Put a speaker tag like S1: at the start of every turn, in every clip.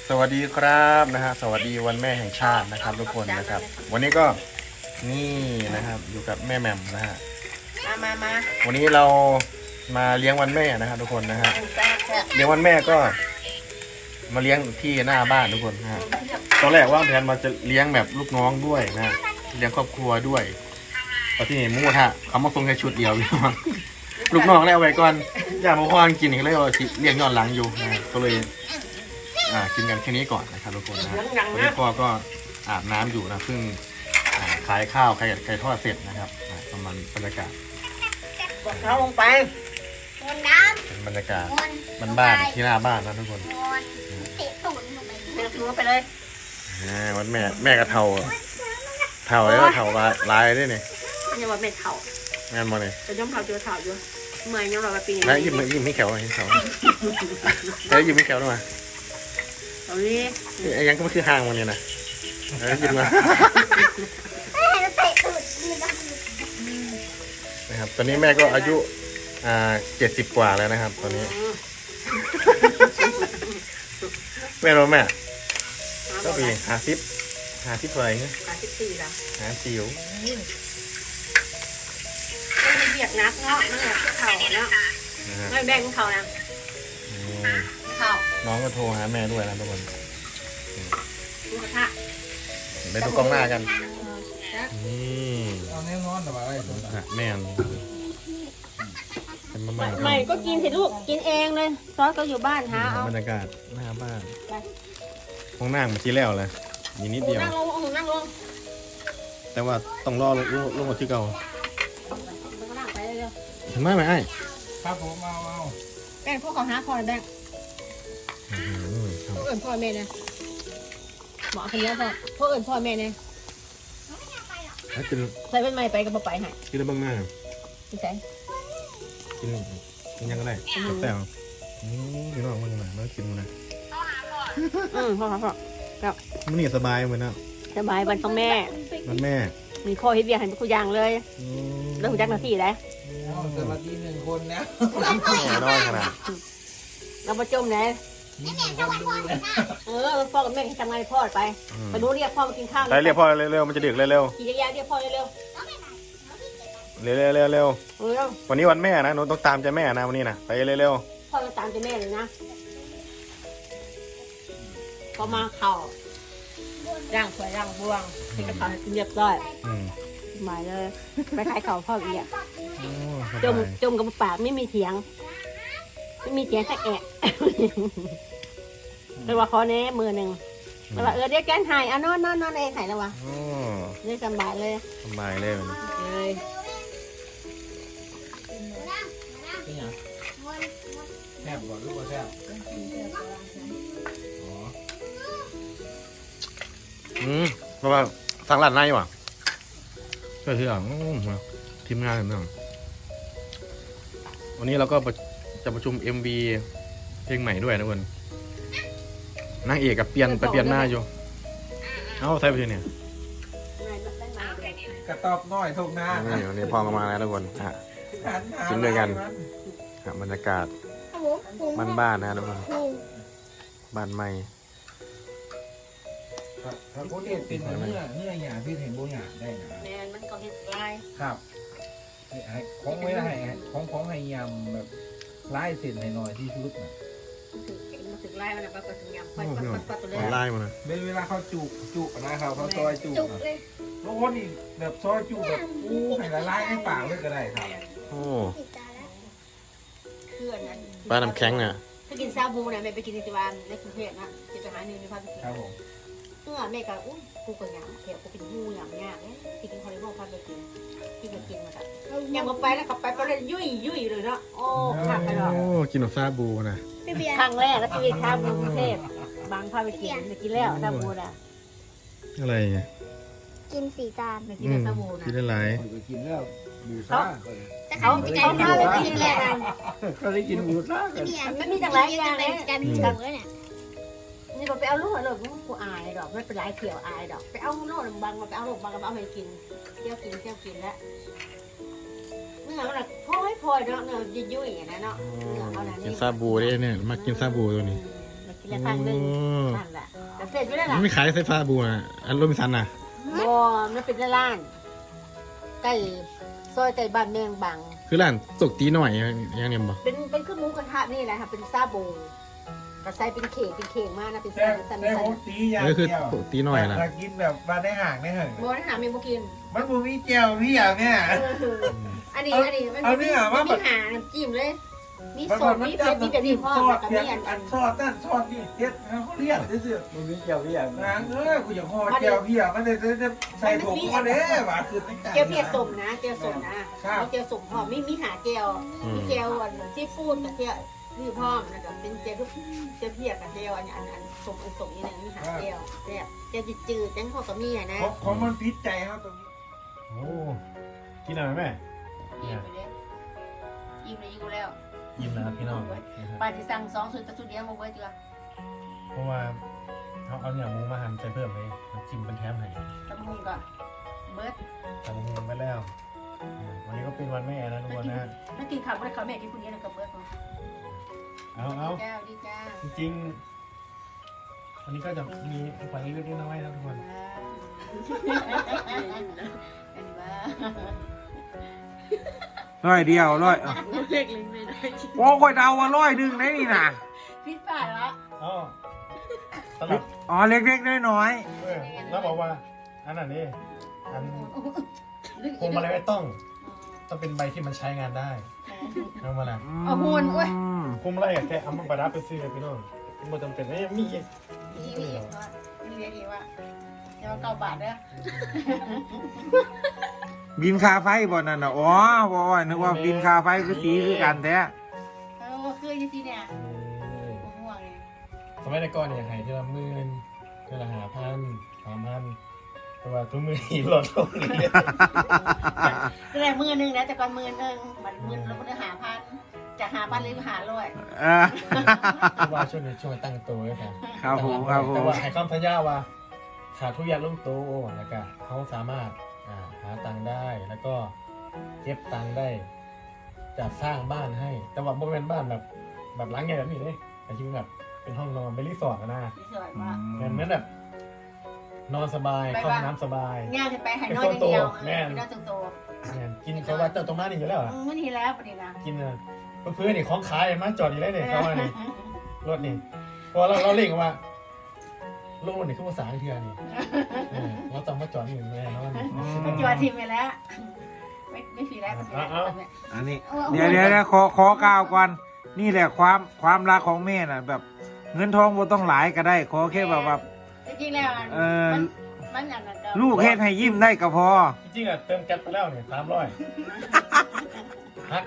S1: สวัสดีครับนะฮะสวัสดีวันแม่แห่งชาตินะครับทุกคนนะครับ วันนี้ก็นี่นะครับอยู่กับแม่แหม่มนะฮะ
S2: มา
S1: วันนี้เรามาเลี้ยงวันแม่นะครับทุกคนนะฮะ
S2: แซ่บ
S1: เลี้ยงวันแม่ก็มาเลี้ยงที่หน้าบ้านทุกคนนะฮะตอนแรกว่างแผนมาจะเลี้ยงแบบลูกน้องด้วยนะฮะเลี้ยงครอบครัวด้วยตอนที่หมูกระทะเขามาส่งแค่ชุดเดียวลูกน้องได้เอาไว้ก่อนอยากมาควานกินอีกแล้วเลี้ยงย้อนหลังอยู่นะก็เลยกินกันแค่นี้ก่อนนะครับทุกคนนะวันนี้พ่อก็อาบน้ำอยู่นะเพิ่งขายข้าวไข่ทอดเสร็จนะครับประมาณบรรยากาศ
S2: บอกเขาลงไป
S1: เป็นบรรยากาศบ้านๆที่หน้าบ้านนะทุกคน
S2: เดินไปเลย
S1: วันแม่กระเทาแล้วก็เทาลายด้วยนี่
S2: ยังว่าไม่เท่า
S1: แม่นมาเนี่ย
S2: แต่ย่อมเท่าเจอเท่าอยู่เมื่อยยังเราไปปีนี้
S1: แล้วยิ้มไม่แขวเห็นเขาแล้วยิ้มไม่แขวด้วยมา
S2: ตอนนี้
S1: ไอ้ยังก็ไม่คือห่างมันเนี่ยนะยิ้มมานะครับตอนนี้แม่ก็อายุ70 กว่าแล้วนะครับ ตอนนี้แม่รู้แม่ก็ปี50เท่าไหร่เงี้ย
S2: 54แล้ว
S1: 50
S2: ไม่เบียดนักเนาะนั่นแหละเท่าเนาะไม่แบ่งเขานะเท่า
S1: น้องก็โทรหาแม่ด้วยนะทุกคน
S2: หมูกระทะ
S1: ไปดูกล้องหน้ากันนี่
S3: เอาแน่นอนแต่ว่าอะไรตัว
S1: แม่เป็นมะ
S2: ไม่ก็กินสิลูกกินเองเลยซอสก็อยู่บ้านหาเอา
S1: บรรยากาศหน้าบ้านห้องนั่งมาชี้แล้วเลยมีนิดเดียว
S2: นั่งลง
S1: แต่ว่าต้องรอลงมาที่เก่า
S2: นั่งไปเร็ว
S1: เห็นไหมไอ้
S3: ครับผมเอา
S2: แบ่งพวกเขาหาพอแบ่งพวกอื่นพ่อแม่เนี่ยหมอคนเดียวพวกอื่นพ่อแม่เนี่ย
S1: กิน
S2: ใส่เป็นไม้ไปกับไปให้
S1: กินได้บ้างหน้า
S2: พี่แสง
S1: กินยังก็ได้แต่พี่น้องมันยังไงมากินมันนะ
S2: พ่อครับ
S1: มันนี่สบายเหมือนนะ
S2: สบายวันของแม่
S1: มันแม่
S2: มีพ่อเฮ็ดเวียกให้ทุกอย่างเลยแล้วหุ่นจักรหน้าที่ได้
S3: เอาสวัสดี1 คนนะ
S1: แน่นอนขนาด
S2: เราประจมเลย
S3: มี1 คนดูนะ
S2: พ่อกับแม่ทำงานพ่อไปไปรู้เรียกพ่อมากินข้าว
S1: ไปเรียกพ่อเร็วๆมันจะดึกเร็ว
S2: ขี่จักรยานเรียกพ่อเร็ว
S1: ๆเร็ววันนี้วันแม่นะหนูต้องตามใจแม่นะวันนี้นะไปเร็ว
S2: พ่อจะตามใจแม่เลยนะพอมาเข่าร่างสวยร่างบวงที่กระเพาะเรียบร้อยหมายเลยไปขายเข่าพ่ออีกจมกับปากไม่มีเถียงสักแอะเลยว่าขอแน่มือหนึ่งแล้วว่าเดี๋ยวแกนหายนอนเองหายแล้ววะนี่สบายเลย
S1: สบายเลย
S2: เลย
S3: เป็นยังแซ่บกว่าลูกว่าแซ่บอ๋อ
S1: เพราะว่าสั่งร้านในว่ะก็คือทีมงานเรื่องวันนี้เราก็จะประชุม MV เพลงใหม่ด้วยนะคนนางเอกกับเปลี่ยนหน้าอยู่ใส่ไปเนี่ย
S3: กระตอบน้อยทุกหน้า
S1: นี่พอมาแล้วทุกคนกินด้วยกันบรรยากาศบ้านๆนะทุกคนบ้านใหม่
S3: ถ้าคนเห็นเป็นเนื้อหยาที่เห็นโบหยาได้นะ
S2: แมนมันก็เห็ดลาย
S3: ครับของไว้ให้ของให้ยำแบบไล่เส้นให้หน่อยที่สุดนะ
S2: มันถึงลายมันก็ถึงยำปัดตัวเล
S1: ออนไลน์มานะ
S3: เวลาเขาจุนะครับเขาซอยจุนะบางคนนี่แบบซอยจุแบบให้ละลายในปากเลยก็ได้ครับ
S1: โอ้
S2: เคลื่อนนั้น
S1: ปลาน้ำแข็งเนี่ย
S2: ถ้ากินซาบูเนี่ยแม่ไปกินในวันในกรุงเทพนะจะไปหาเนื้อในภาคตะวัน
S3: ครับผม
S2: แม่ก็กูก็ยำเขียวกูเป็นงูยำยากเนี่ยกินคอเลสเตอรอลพาไปกินมาแบบยำก็ไปแล้วก็ไปเลยยุ่ยเลยเนาะโอ้ขาดไปหรอก
S1: กินแบบซาบูนะ
S2: ครั้งแรกแล้วชีวิตข้ามกรุงเทพบางพาไปกินแล้วซาบูนะ
S1: อะไรเนี่ย
S4: กิน4 จาน
S2: ไปกินซาบูนะ
S1: กินได้หลาย
S3: ไปกินแล้วบูซ่า
S2: เขาพาไปกินแล้ว
S3: เขาได้กินบูซ่ากัน
S2: มันมีจังไรอย่างเลย
S4: กลายเป็นถุงแล้วเนี่ย
S2: นี่ก็ไปเอาลูกเลยกูอายดอกไม่เป็นไรเขียวอายดอกไปเอาโน่นบางมาไปเอาลูกบางก็เอาไปกินเที่ยวกินแล้วเนื้อมันพอยเนาะเนื้อยุ่ยอย่างนั้นเนาะ
S1: กินซาบูได้เนี่ยมากินซาบูตัวนี้
S2: มากินปีละครั้งหนึงนั่นแหละแต่เสร็จไม่ได้หรอ
S1: มันไม่ขายไฟฟ้าบูอ่ะอันโรบินสันน่ะ
S2: บ่มันเป็นร้านใกล้ซอยใกล้บ้านแมงบัง
S1: คือร้านตกตีหน่อยอย่างเนี้ยบ่
S2: เป็นเครื่องหมูกระทะนี่แหละค่ะเป็นซาโบก็ใส่เป็นเข่งมากนะเป็น
S3: แต่
S2: สัน
S3: แต่ผมตีอย่าง
S1: นี่คือ
S3: เดียว
S1: ตกตีหน่อยล่ะ
S3: ถ้ากินแบบมาได้ห่างได้ห่าง
S2: โบนะหาเมนูกิน
S3: มันบ่มีเจียวพี่อย่างเนี่ย
S2: อันนี้มัน
S3: เอาเนี่ยว่าแบ
S2: มี
S3: บ
S2: หาน้ำจิ้มเลย มี
S3: มัน
S2: สดมีเผ็ดมีแบบนี้พ่อ
S3: ซอ
S2: แล้
S3: ส
S2: วก็
S3: เพีย
S2: มี
S3: งอันซอสนั่นซอสนี่เด็ดเขาเรียกซื่อ
S5: มันมีเกี่ยวพี่อย่าง
S3: ๆนางกูอยากห่อเจียวพี่อ่ะมันจะใส่ถุงมาเด้หว่าคือไม่ไก่
S2: เจียวเพียสมนะเจียวสมนะเจียวสมพ่อไม่มีหาเจียวมีเจียวที่ฟูดกับเจียวนี่พ่อนะครับเป็นเจียวเพียกับเจียวอันสมนี่นะมีหาเจียวเจียวจืดๆจังพ่อกับมีอ่ะนะ
S3: ของมันพิษใจเขาตรงนี้
S1: โอ้กินอะไรแม่
S2: อิ่มไปเลยอิ่มเลยอิ่มแล้ว
S1: ยิ้มนะครับพี่น้อง
S2: ป้าที่สั่ง2ชุดแต่ชุดเดียวมาไว้ดีกว่า
S1: เพราะว่าเขาเอาเนี่ยหมูมาหั่นใส่เพิ่มเลยน้ำจิ้มเป็นแถมให้
S2: ตำมุงก่อนเบิร์ด
S1: ทำหมูไปแล้ววันนี้ก็เป็นวันแม่นะทุกคนนะ
S2: ไม่กินข้าวไม่ได้ข้าวแม่กินคนเดียวกับเบิร์ด
S1: เอา
S2: เจ้าดีจ้า
S1: จริงๆวันนี้ก็จะมีฝันเล็กๆน้อยๆนะทุกคน
S3: ร้อยเดียวร้อย
S2: เล็กเลยไม่ได้
S3: โอ้คอยเดาว่าร้อยหนึ่งได้นี่นะ
S2: พิษป่าละ
S1: อ๋อสำหรับ
S3: อ๋อเล็กๆน้อย
S1: แล้วบอกว่าอันนั้นนี่อันพวงมาลัยไม่ต้องเป็นใบที่มันใช้งานได้เอามาละ
S3: ๆ
S2: เอาโหนเว้ย
S1: พวงมาลัยแค่เอามาประดับไปซื้อพี่น้องมันจำเป็นมีอีก
S2: นี่เรียกว่าเดี๋ยว9 บาทเด้อ
S3: บินค่าไฟบ่นั่นน่ะอ๋อบ่ว่านึกว่าบินค่าไฟคือสีคือกันแท้
S2: คือจริงๆเนี่ยห่วงเลย
S1: สมัยก่อนเนี่ยหายทีละ10,000ทีละ5,000 3,000แต่ว่าทุกมือหีหลดลงเลย
S2: แต่มือนึงนะแต่ก่อนมือนึงมันมือแล้วมัน5,000จาก5,000เลย500
S1: ว่าช่วยตั้งตัวไว้ครับ
S3: ครับผมครับผ
S1: แต่
S3: ม
S1: ว่าให้คำสัญญาว่าขาดทุกอย่างลงโตแล้วก็เขาสามารถหาตังค์ได้แล้วก็เก็บตังค์ได้จะสร้างบ้านให้ แต่ว่าบ่เป็นบ้านแบบหลังใหญ่แบบนี้เลยแต่จริงแบบเป็นห้องนอนเป็นรีสอร์ทนะ
S2: สวยมาก
S1: เหมือนแบบนอนสบายเข้าห้องน้ำสบาย
S2: งานจะไปหายน้อยเดียว
S1: แม่
S2: น้อยโต
S1: เนี่ยกินเขาว่าเจ้าตรงมานี่อยู่แล้วเหรอ
S2: ไม่ดีแล้วปะนี่นะ
S1: กินเพื่อนนี่ของขายมาจอดอยู่ได้เนี่ยเขาว่านี่รถนี่พอเราเล่งว่าโลกนี่คือภาษาอังกฤษนี่เราต้องมาจอดนี่แม่เนาะนี่
S2: ไม่จอดทีมไปแล้วไม่ฟรีแล้ว
S3: อันนี้เดี๋ยวขอกล่าวก่อนนี่แหละความรักของแม่น่ะแบบ เงินทองบ่ต้องหลายก็ได้ ขอแค่แบบว่า
S2: จริงๆแล้วมันอย่างนั้น
S3: ลูกเฮ็ดให้ยิ้มได้ก็พอ
S1: จริงๆเติมแก๊สไปแล้วเนี่ย300ฮัก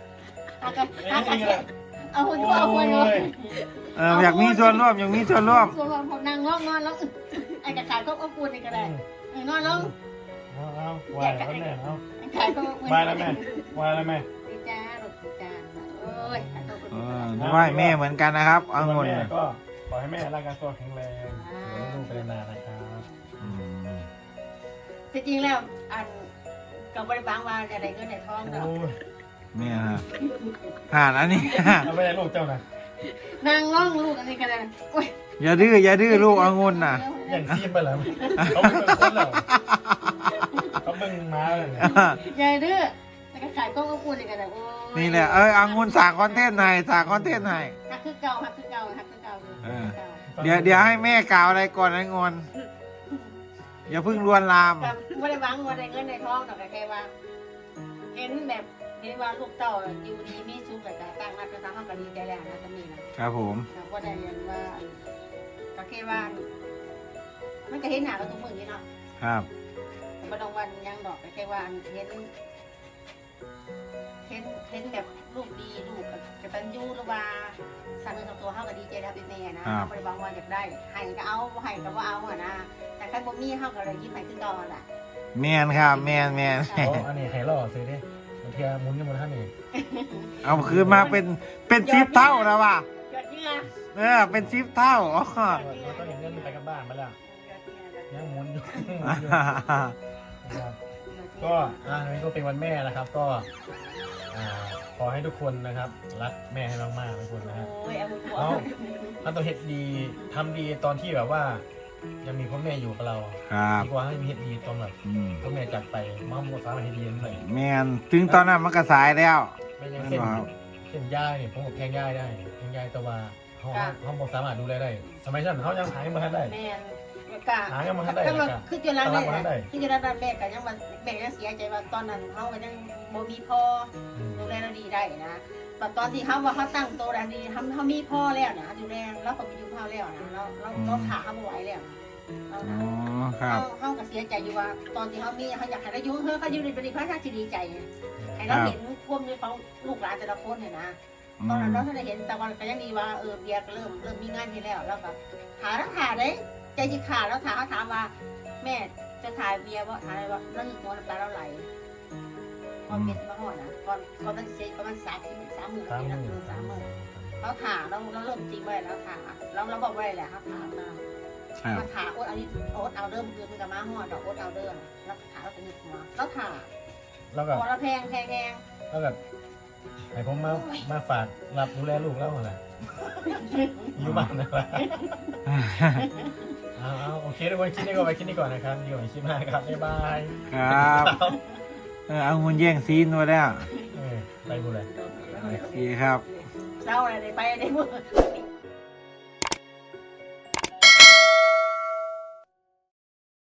S2: เอาหุ่นเอาหุ่นเลย
S3: อยากมีส่วนร่วม
S2: ส่วนรวมผมนั่งนอนแล้วไอ้กระขายก็อบอุ่นนี่ก็ได้นอนแล้ว
S1: เอาวายแล้วแม่เอา
S2: ขายก็อบอุ่น
S1: วายแล้วแม่วายแล้วแม่
S2: ดีจ้าลูกดีจ้าโอ้ย
S3: ไหว้แม่เหมือนกันนะครับเอาเงิน
S1: แม่ก็ขอให้แม่ร่างกายตัวแข็งแรงเลี้ยงลูกไปนานนะครับ
S2: จริงๆแล้วอันกับบริบาลว่าอะไรเงินในท้องเรา
S1: โอ้ย
S3: แม่นะอันนี้
S1: เอาไม่ได้ลูกเจ้านะ
S2: นางร้องลูกอันนี้ก็ได้โอ้ย
S3: อย่าดื้อลูกเอาเงินน่ะ
S1: อย่างซีมไปแล้วเขาไม่เป็นคนแล้วเขาเบิ่งม้าเลย
S2: ใหญ่ดื้อแล้วก็ขายก็อบอุ่นนี่ก็ได้โอ้ย
S3: นี่แหละเอาเงินสั่งคอนเทนต์ให้สั่งคอนเทนต์ให้
S2: ฮักคือเก่า
S3: เดี๋ยวให้แม่กล่าวอะไรก่อนนะงอนอย่าเพิ่งลวนลาม
S2: กับไม่ได้หวังว่าได้เงินในท้องแต่แค่ว่าเห็นแบบเห็นว่าลูกเต่าอยู่ดีมีสุขแต่ต่างมาเป็นทางห้องก็ดีใจแล้วนะตรงนี้นะครับ
S3: ผม
S2: ว่าได้เรียนว่าก็แค่ว่ามันก็เห็นหน้าเราทุกมือนี่เนาะ
S3: ครับ
S2: ไม่ต้องวันยังดอกแค่ว่าเห็นแบบลูกดีลูกกตัญญูหรือว่าสามีของตัวเขาก็ดีใจแล้วเป็นแม่นะไม่ได้หวังว่าอยากได้ให้ก็เอาให้ก็ว่าเอาอะนะแต่ใครบ่มีเขาก็เลยยิ้มให้คือก่อนแหละ
S3: แมนครับแมน
S1: อันนี้ไฮล่อซื้อดิบางทีมุนยังมันท่านนี่
S3: เอาคืนมาเป็น10 เท่าแล้วว่ะ
S2: ยอดเยี่ยม
S3: เป็น10 เท่าอ๋อ
S1: เราต้องเห็นเงินไปกับบ้านมาแล้วยังมุนอยู่ก็อันนี้ก็เป็นวันแม่นะครับ ก็ขอให้ทุกคนนะครับรักแม่ให้มากๆทุกคนนะฮะ
S2: โอ้ยเอาหัว
S1: เอาถ้าตัวเฮ็ดดีทำดีตอนที่แบบว่า ยังมีพ่อแม่อยู่กับเรา
S3: ครับ
S1: ดีกว่าให้มีเฮ็ดดีตอนแบบ
S3: อืม
S1: พ่อแม่จากไปมาหมดฟ้ามาเฮ็ดดีนั่นเลย
S3: แมนถึงตอนนั้นมันก็สายแล้ว
S1: ไม่ยังเส้นเส้นย่ายเนี่ยผมกับแพงย่ายได้แพงย่ายแต่ว่าเขาบ่สามารถดูแลได้ สมัยนั้นเขายังหายังมาทันได้
S2: แม่นกะ
S1: หายังมาทันได้
S2: ถ้ามัน
S1: กะ
S2: คือจนแล้ว
S1: ตลา
S2: แม่
S1: ดมาทันได้
S2: คือจนแล้วแม่ก็ยังว่าแม่ยังเสียใจว่าตอนนั้นเขาก็ยังบ่มีพ่อ
S1: อืม
S2: ดูแลเราดีได้นะแต่ตอนที่เขาว่าเขาตั้งโตแล้วดีเขามีพ่อแล้วนะดูแลแล้วก็ไปอยู่พ่อแล้วนะเราขาเขาไม่ไหวแล้วนะ
S3: อ๋อครับ
S2: เขาก็เสียใจอยู่ว่า ตอนที่เขามีเขาอยากให้เราอยู่เขาอยู่ในบริษัทที่ดีใจให้เราเห็นพวกนี้เขาลูกหลานแต่ละคนเนี่ยนะตอนนั้นเราถ้าได้เห็นแต่วันก็ยังดีว่าเบียร์ก็เริ่มมีงานที่แล้วแล้วก็หาแล้วหาได้ใจจิขาดแล้วถามเขาถามว่า แม่จะถ่ายเบียร์ว่าถ่ายว่าเรื่องตัวน้ำตาเราไหลก่อนเป็นมาห่อนะก่อนมันเสียประมาณ30,000
S1: สาม
S2: นะ
S1: มือ
S2: 30,000เราถามเราเริ่มจริงไว้แล้วถามเราบอกไว้แหละครับถามมา
S3: ครับ
S2: มาถามโอ๊ตเอาโอ๊ตเอาเริ่มคือมันจะมาห่อดอกโอ๊ตเอาเริ่มแล้วถามเราเป็นหัวเราถาม
S1: แล้วก็
S2: พอเราแพง
S1: แล้วก็ให้ผมมาฝากรับดูแลลูกแล้วเหรออยู่บ้านนะครับเอาโอเคทุกคนคลิปนี้ก็ไปคลิปนี้ก่อนนะครับอยู่ในคลิปหน้าครับบ๊ายบาย
S3: ครับเอาเงินแย่งซีนมาแล้ว
S1: ไปบุญเลย
S3: โอเคครับ
S2: เราอะไรไปได้หมด